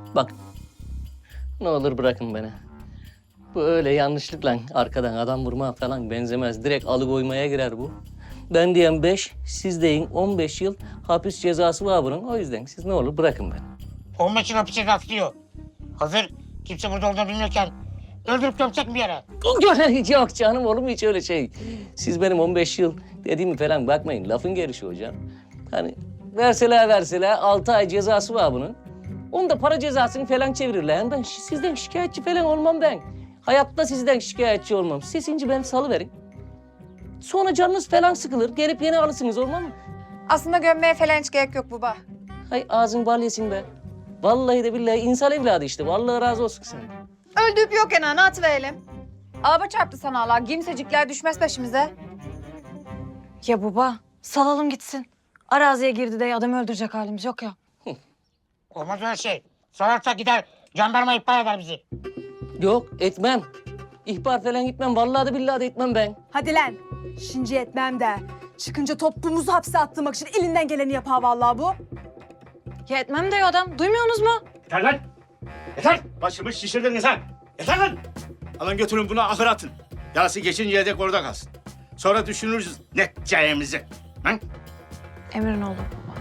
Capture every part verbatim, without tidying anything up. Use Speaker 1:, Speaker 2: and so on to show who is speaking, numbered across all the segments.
Speaker 1: Bak, ne olur bırakın beni. Bu öyle yanlışlıkla arkadan adam vurma falan benzemez. Direkt alıkoymaya girer bu. Ben diyen beş, siz deyin on beş yıl hapis cezası var bunun. O yüzden siz ne olur bırakın beni.
Speaker 2: on beş yıl hapis cezası diyor. Hazır kimse burada olduğunu bilmiyorken öldürüp gömsek mi bir yere?
Speaker 1: Yok canım, olur mu hiç öyle şey? Siz benim on beş yıl dediğimi falan bakmayın. Lafın gelişi hocam. Hani verseler verseler altı ay cezası var bunun. Onu da para cezasını falan çevirirler. Yani ben şi- sizden şikayetçi falan olmam ben. Hayatta sizden şikayetçi olmam. Sesinci ben salıverin. Sonra canınız falan sıkılır. Gelip yeni alırsınız, olmaz mı?
Speaker 3: Aslında gömmeye falan hiç gerek yok baba.
Speaker 1: Hay ağzın bal yesin be. Vallahi de billahi insan evladı işte. Vallahi razı olsun sen.
Speaker 3: Öldürüp yok enanı atıverelim. Araba çarptı sana Allah. Kimsecikler düşmez peşimize.
Speaker 4: Ya baba, salalım gitsin. Araziye girdi de adamı öldürecek halimiz yok ya.
Speaker 2: Olmaz öyle şey. Sorarsak gider jandarma ihbar eder bizi.
Speaker 1: Yok etmem. İhbar falan gitmem. Vallahi de billahi de etmem ben.
Speaker 5: Hadi lan. Şimdi etmem de. Çıkınca toplumuzu hapse attırmak için elinden geleni yapar vallahi bu.
Speaker 4: Ya etmem diyor adam. Duymuyorsunuz mu?
Speaker 6: Yeter lan! Yeter! Başımı şişirdiniz ha! Yeter lan! Alın götürün bunu ahıra atın. Yarası geçinceye dek orada kalsın. Sonra düşünürüz ne edeceğimizi. Lan!
Speaker 4: Emrin oğlu baba.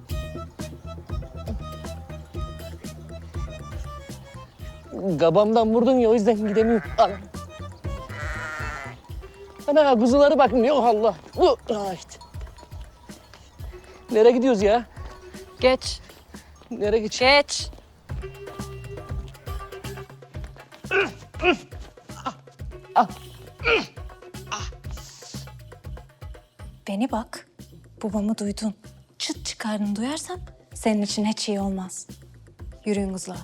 Speaker 1: Gabamdan vurdun ya, o yüzden gidemiyorum. Al. Ana kuzuları bakın, yok Allah. Bu, ah işte. Nereye gidiyoruz ya?
Speaker 4: Geç,
Speaker 1: Nereye geç?
Speaker 4: geç. Beni bak, babamı duydun. Çıt çıkardın duyarsan senin için hiç iyi olmaz. Yürüyün kızlar.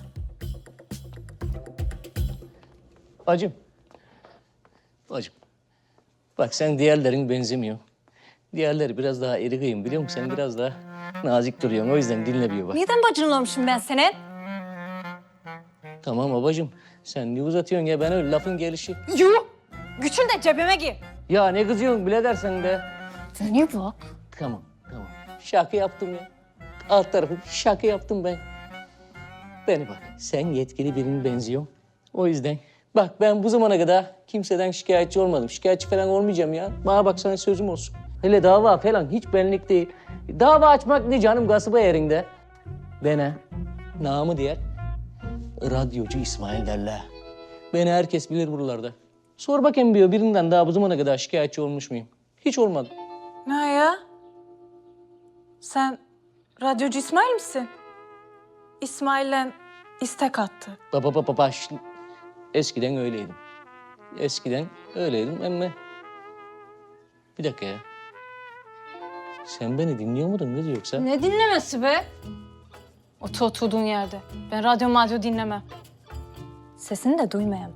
Speaker 1: Bacım. Bacım. Bak sen diğerlerin benzemiyor. Diğerleri biraz daha iri kıyım, biliyor musun? Sen biraz daha nazik duruyorsun. O yüzden dinlemiyor bak.
Speaker 4: Neden bacın olmuşum ben senin?
Speaker 1: Tamam babacığım. Sen ne uzatıyorsun ya? Ben öyle lafın gelişi.
Speaker 4: Yuh! Güçün de cebime gir.
Speaker 1: Ya ne kızıyorsun bile dersen de.
Speaker 4: Beni bak.
Speaker 1: Tamam, tamam. Şaka yaptım ya. Alt tarafı şaka yaptım ben. Beni bak, sen yetkili birine benziyorsun. O yüzden bak ben bu zamana kadar kimseden şikayetçi olmadım. Şikayetçi falan olmayacağım ya. Bana bak sana sözüm olsun. Hele dava falan hiç benlik değil. Dava açmak ne canım, gasıba yerinde. Bana namı diğer radyocu İsmail derler. Beni herkes bilir buralarda. Sor bakayım diyor, birinden daha bu zamana kadar şikayetçi olmuş muyum? Hiç olmadım.
Speaker 4: Ne ya? Sen radyocu İsmail misin? İsmail'le istek attı.
Speaker 1: Baba baba baş. Eskiden öyleydim. Eskiden öyleydim ama... Bir dakika ya. Sen beni dinliyor muydun kız yoksa?
Speaker 4: Ne dinlemesi be? Otur oturduğun yerde. Ben radyo madyo dinlemem. Sesini de duymayayım.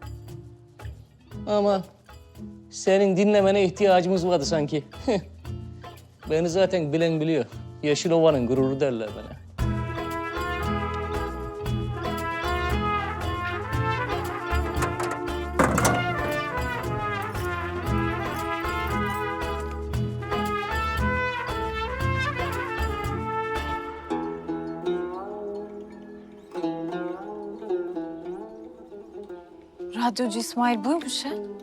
Speaker 1: Ama senin dinlemene ihtiyacımız vardı sanki. Beni zaten bilen biliyor. Yeşil Ova'nın gururu derler bana.
Speaker 4: Radyocu İsmail buymuş ha?